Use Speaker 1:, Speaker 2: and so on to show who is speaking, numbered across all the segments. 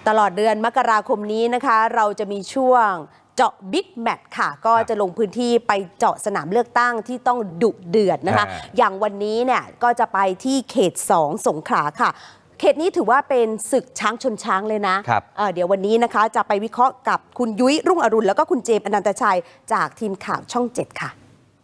Speaker 1: ตลอดเดือนมกราคมนี้นะคะเราจะมีช่วงเจาะบิ๊กแมตช์ค่ะก็จะลงพื้นที่ไปเจาะสนามเลือกตั้งที่ต้องดุเดือดนะคะอย่างวันนี้เนี่ยก็จะไปที่เขต 2 สงขลาค่ะเขตนี้ถือว่าเป็นศึกช้างชนช้างเลยนะเดี๋ยววันนี้นะคะจะไปวิเคราะห์กับคุณยุ้ยรุ่งอรุณแล้วก็คุณเจมส์อนันตชัยจากทีมข่าวช่อง 7 ค่ะ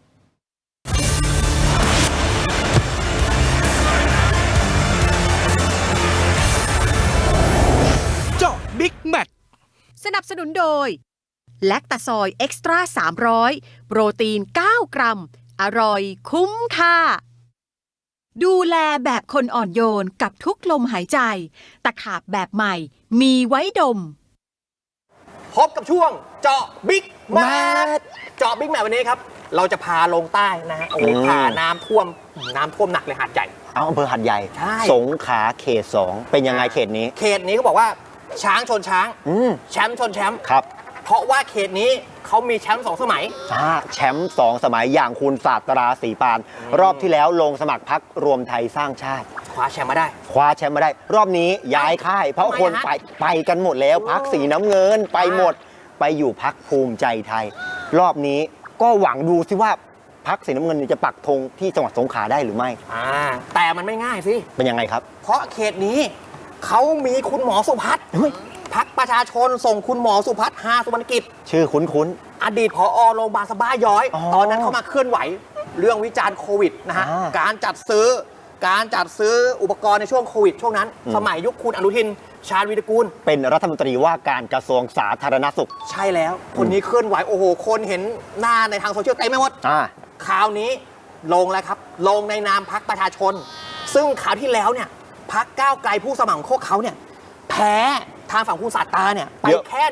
Speaker 2: เจาะบิ๊กแมตช์
Speaker 3: สนับสนุนโดยแลคตาซอยเอ็กซ์ตร้า300โปรตีน9 กรัมอร่อยคุ้มค่าดูแลแบบคนอ่อนโยนกับทุกลมหายใจตะขาบแบบใหม่มีไว้ดม
Speaker 2: พบกับช่วงเจาะบิ๊กแมตช์เจาะบิ๊กแมตช์วันนี้ครับเราจะพาลงใต้นะฮะพาน้ำท่วมหนักเลยหาดใหญ่
Speaker 4: อำเภอหาดใหญ่สงขลาเขต 2เป็นยังไงเขตนี้
Speaker 2: เขาบอกว่าช้างชนช้างแชมป์ชนแชมป์
Speaker 4: ครับ
Speaker 2: เพราะว่าเขตนี้เขามีแชมป์2 สมัย
Speaker 4: แชมป์2 สมัยอย่างคุณศาสตราศรีปานรอบที่แล้วลงสมัครพรรครวมไทยสร้างชาติ
Speaker 2: คว้าแชมป์มาได้
Speaker 4: รอบนี้ย้ายค่ายเพราะคนไปกันหมดแล้วพรรคสีน้ำเงินไปหมดไปอยู่พรรคภูมิใจไทยรอบนี้ก็หวังดูสิว่าพรรคสีน้ำเงินจะปักธงที่จังหวัดสงขลาได้หรือไม่
Speaker 2: แต่มันไม่ง่ายสิ
Speaker 4: เป็นยังไงครับ
Speaker 2: เพราะเขตนี้เขามีคุณหมอสุพัฒน์พรรคประชาชนส่งคุณหมอสุพัฒน์ฮาสุวรรณกิจ
Speaker 4: ชื่อคุ้น
Speaker 2: อดีตผอ.โรงพยาบาลสะบ้าย้อยตอนนั้นเขามาเคลื่อนไหวเรื่องวิจารณ์โควิดนะฮะการจัดซื้ออุปกรณ์ในช่วงโควิดช่วงนั้นสมัยยุคคุณอนุทินชาญวีรกูล
Speaker 4: เป็นรัฐมนตรีว่าการกระทรวงสาธารณสุข
Speaker 2: ใช่แล้วคนนี้เคลื่อนไหวโอ้โหคนเห็นหน้าในทางโซเชียลเต็มไปหมดคราวนี้ลงแล้วครับลงในนามพรรคประชาชนซึ่งคราวที่แล้วเนี่ยพรรคก้าวไกลผู้สมัครของเขาเนี่ยแพ้ทางฝั่งคุณศาสตราเนี่ยไปแค่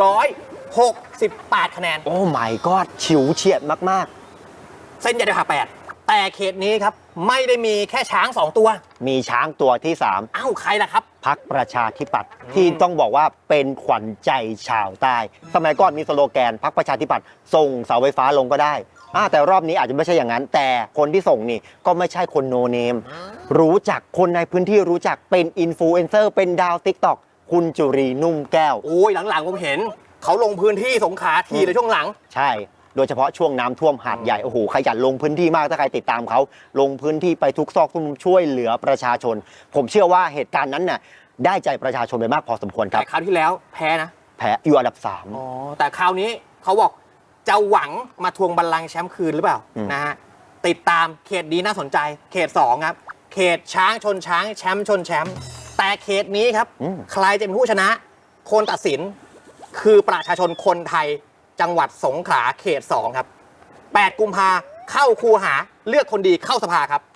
Speaker 2: 168 คะแนน
Speaker 4: โอ้ my god ฉิวเฉียดมาก
Speaker 2: ๆเส้นใหญ่เดียวหา8แต่เขตนี้ครับไม่ได้มีแค่ช้าง2 ตัว
Speaker 4: มีช้างตัวที่3
Speaker 2: ใครล่ะครับ
Speaker 4: พรรคประชาธิปัตย์ที่ต้องบอกว่าเป็นขวัญใจชาวใต้สมัยก่อนมีสโลแกนพรรคประชาธิปัตย์ส่งเสาไฟฟ้าลงก็ได้แต่รอบนี้อาจจะไม่ใช่อย่างนั้นแต่คนที่ส่งนี่ก็ไม่ใช่คนโนเนมรู้จักคนในพื้นที่รู้จักเป็นอินฟลูเอนเซอร์เป็นดาว TikTok คุณจุรีนุ่มแก้ว
Speaker 2: โอ้ยหลังๆผมเห็นเขาลงพื้นที่สงขลาทีในช่วงหลัง
Speaker 4: ใช่โดยเฉพาะช่วงน้ำท่วมหาดใหญ่โอ้โหขยันลงพื้นที่มากถ้าใครติดตามเขาลงพื้นที่ไปทุกซอกทุกมุมช่วยเหลือประชาชนผมเชื่อว่าเหตุการณ์นั้นน่ะได้ใจประชาชนไปมากพอสมควรครับ
Speaker 2: แต่คราวที่แล้วแพ้
Speaker 4: อยู่อันดับ
Speaker 2: 3แต่คราวนี้เขาบอกจะหวังมาทวงบัลลังก์แชมป์คืนหรือเปล่านะฮะติดตามเขตนี้น่าสนใจเขต 2ครับเขตช้างชนช้างแชมป์ชนแชมป์แต่เขตนี้ครับใครจะเป็นผู้ชนะคนตัดสินคือประชาชนคนไทยจังหวัดสงขลาเขต 2ครับ8 กุมภาเข้าคูหาเลือกคนดีเข้าสภาครับ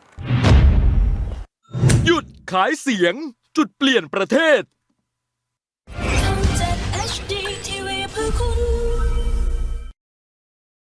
Speaker 5: หยุดขายเสียงจุดเปลี่ยนประเทศ